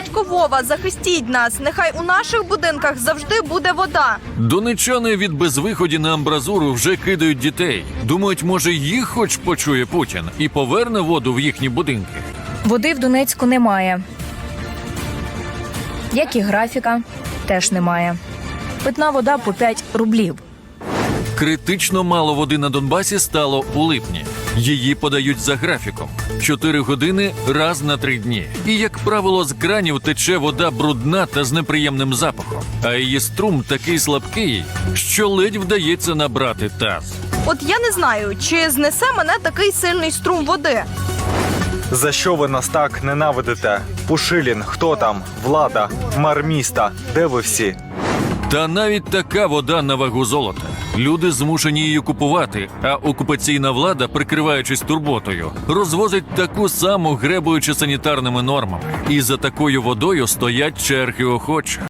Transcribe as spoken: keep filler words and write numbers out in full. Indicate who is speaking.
Speaker 1: Дядько Вова, захистіть нас. Нехай у наших будинках завжди буде вода.
Speaker 2: Донеччани від безвиході на амбразуру вже кидають дітей. Думають, може їх хоч почує Путін і поверне воду в їхні будинки.
Speaker 3: Води в Донецьку немає. Як і графіка, теж немає. Питна вода по п'ять рублів.
Speaker 2: Критично мало води на Донбасі стало у липні. Її подають за графіком. Чотири години раз на три дні. І, як правило, з кранів тече вода брудна та з неприємним запахом. А її струм такий слабкий, що ледь вдається набрати таз.
Speaker 1: От я не знаю, чи знесе мене такий сильний струм води.
Speaker 4: За що ви нас так ненавидите? Пушилін, хто там? Влада, мер міста. Де ви всі?
Speaker 2: Та навіть така вода на вагу золота. Люди змушені її купувати, а окупаційна влада, прикриваючись турботою, розвозить таку саму, гребуючи санітарними нормами. І за такою водою стоять черги охочих.